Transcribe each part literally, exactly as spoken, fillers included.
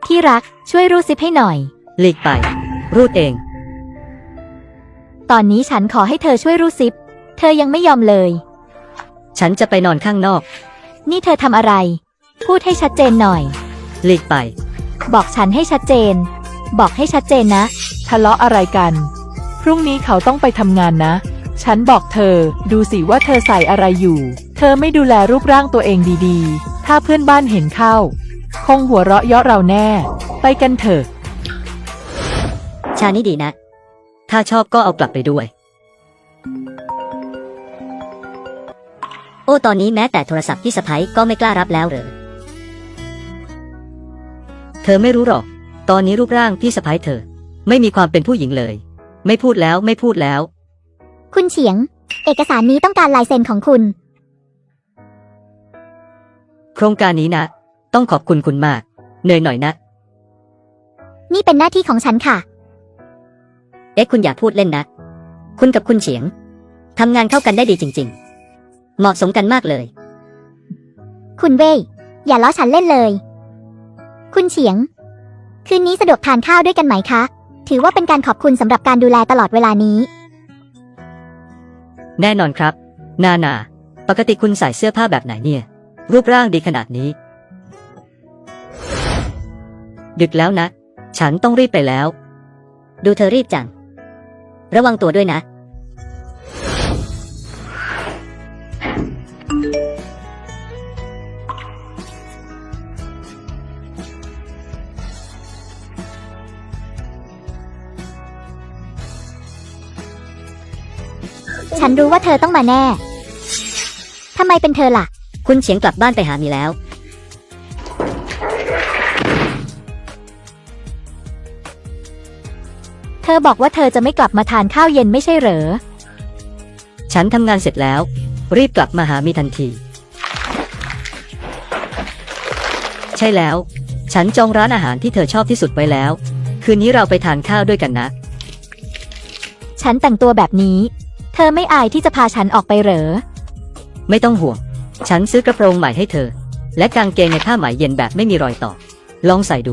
ที่รักช่วยรูดซิปให้หน่อยหลีกไปรูดเองตอนนี้ฉันขอให้เธอช่วยรูดซิปเธอยังไม่ยอมเลยฉันจะไปนอนข้างนอกนี่เธอทำอะไรพูดให้ชัดเจนหน่อยหลีกไปบอกฉันให้ชัดเจนบอกให้ชัดเจนนะทะเลาะอะไรกันพรุ่งนี้เขาต้องไปทำงานนะฉันบอกเธอดูสิว่าเธอใส่อะไรอยู่เธอไม่ดูแลรูปร่างตัวเองดีๆถ้าเพื่อนบ้านเห็นเข้าคงหัวเราะเยาะเราแน่ไปกันเถอะชานี่ดีนะถ้าชอบก็เอากลับไปด้วยโอ้ตอนนี้แม้แต่โทรศัพท์ที่สะใภ้ก็ไม่กล้ารับแล้วเหรอเธอไม่รู้หรอกตอนนี้รูปร่างพี่สะใภ้เธอไม่มีความเป็นผู้หญิงเลยไม่พูดแล้วไม่พูดแล้วคุณเฉียงเอกสารนี้ต้องการลายเซ็นของคุณโครงการนี้นะต้องขอบคุณคุณมากเหนื่อยหน่อยนะนี่เป็นหน้าที่ของฉันค่ะเอ๊ะคุณอย่าพูดเล่นนะคุณกับคุณเฉียงทำงานเข้ากันได้ดีจริงๆเหมาะสมกันมากเลยคุณเว่ยอย่าล้อฉันเล่นเลยคุณเฉียงคืนนี้สะดวกทานข้าวด้วยกันไหมคะถือว่าเป็นการขอบคุณสำหรับการดูแลตลอดเวลานี้แน่นอนครับนานาปกติคุณใส่เสื้อผ้าแบบไหนเนี่ยรูปร่างดีขนาดนี้ดึกแล้วนะฉันต้องรีบไปแล้วดูเธอรีบจังระวังตัวด้วยนะฉันรู้ว่าเธอต้องมาแน่ทำไมเป็นเธอล่ะคุณเฉียงกลับบ้านไปหามีแล้วเธอบอกว่าเธอจะไม่กลับมาทานข้าวเย็นไม่ใช่เหรอฉันทำงานเสร็จแล้วรีบกลับมาหามีทันทีใช่แล้วฉันจองร้านอาหารที่เธอชอบที่สุดไว้แล้วคืนนี้เราไปทานข้าวด้วยกันนะฉันแต่งตัวแบบนี้เธอไม่อายที่จะพาฉันออกไปเหรอไม่ต้องห่วงฉันซื้อกระโปรงใหม่ให้เธอและกางเกงในผ้าไหมเย็นแบบไม่มีรอยต่อลองใส่ดู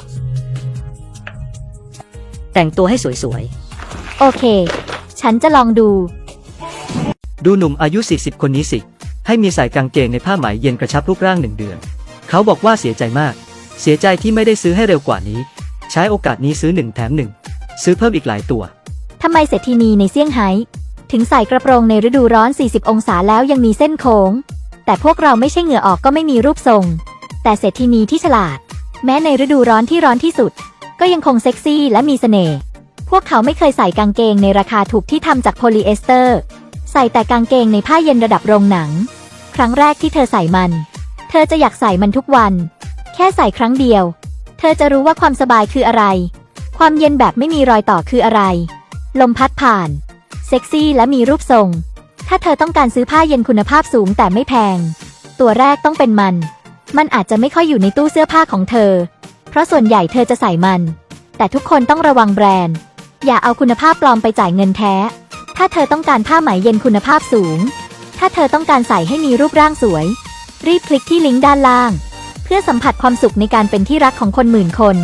แต่งตัวให้สวยๆโอเคฉันจะลองดูดูหนุ่มอายุสี่สิบคนนี้สิให้มีใส่กางเกงในผ้าไหมเย็นกระชับรูปร่างหนึ่งเดือนเขาบอกว่าเสียใจมากเสียใจที่ไม่ได้ซื้อให้เร็วกว่านี้ใช้โอกาสนี้ซื้อหนึ่งแถมหนึ่งซื้อเพิ่มอีกหลายตัวทำไมเศรษฐินีในเซี่ยงไฮ้ถึงใส่กระโปรงในฤดูร้อนสี่สิบองศาแล้วยังมีเส้นโค้งแต่พวกเราไม่ใช่เหงื่อออกก็ไม่มีรูปทรงแต่เศรษฐินีที่ฉลาดแม้ในฤดูร้อนที่ร้อนที่สุดก็ยังคงเซ็กซี่และมีเสน่ห์พวกเขาไม่เคยใส่กางเกงในราคาถูกที่ทำจากโพลีเอสเตอร์ใส่แต่กางเกงในผ้าเย็นระดับโรงหนังครั้งแรกที่เธอใส่มันเธอจะอยากใส่มันทุกวันแค่ใส่ครั้งเดียวเธอจะรู้ว่าความสบายคืออะไรความเย็นแบบไม่มีรอยต่อคืออะไรลมพัดผ่านเซ็กซี่และมีรูปทรงถ้าเธอต้องการซื้อผ้าเย็นคุณภาพสูงแต่ไม่แพงตัวแรกต้องเป็นมันมันอาจจะไม่ค่อยอยู่ในตู้เสื้อผ้าของเธอเพราะส่วนใหญ่เธอจะใส่มันแต่ทุกคนต้องระวังแบรนด์อย่าเอาคุณภาพปลอมไปจ่ายเงินแท้ถ้าเธอต้องการผ้าไหมเย็นคุณภาพสูงถ้าเธอต้องการใส่ให้มีรูปร่างสวยรีบคลิกที่ลิงก์ด้านล่างเพื่อสัมผัสความสุขในการเป็นที่รักของคนหมื่นคน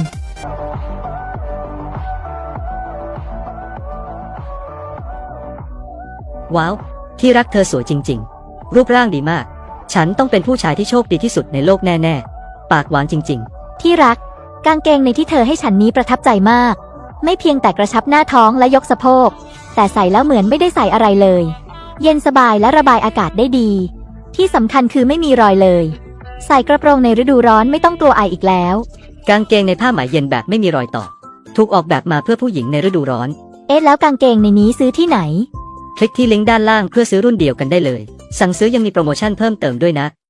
ว้าวที่รักเธอสวยจริงๆรูปร่างดีมากฉันต้องเป็นผู้ชายที่โชคดีที่สุดในโลกแน่ๆปากหวานจริงๆที่รักกางเกงในที่เธอให้ฉันนี้ประทับใจมากไม่เพียงแต่กระชับหน้าท้องและยกสะโพกแต่ใส่แล้วเหมือนไม่ได้ใส่อะไรเลยเย็นสบายและระบายอากาศได้ดีที่สำคัญคือไม่มีรอยเลยใส่กระโปรงในฤดูร้อนไม่ต้องกลัวไออีกแล้วกางเกงในผ้าไหมเย็นแบบไม่มีรอยต่อถูกออกแบบมาเพื่อผู้หญิงในฤดูร้อนเอ๊ะแล้วกางเกงในนี้ซื้อที่ไหนคลิกที่ลิงก์ด้านล่างเพื่อซื้อรุ่นเดียวกันได้เลยสั่งซื้อยังมีโปรโมชั่นเพิ่มเติมด้วยนะ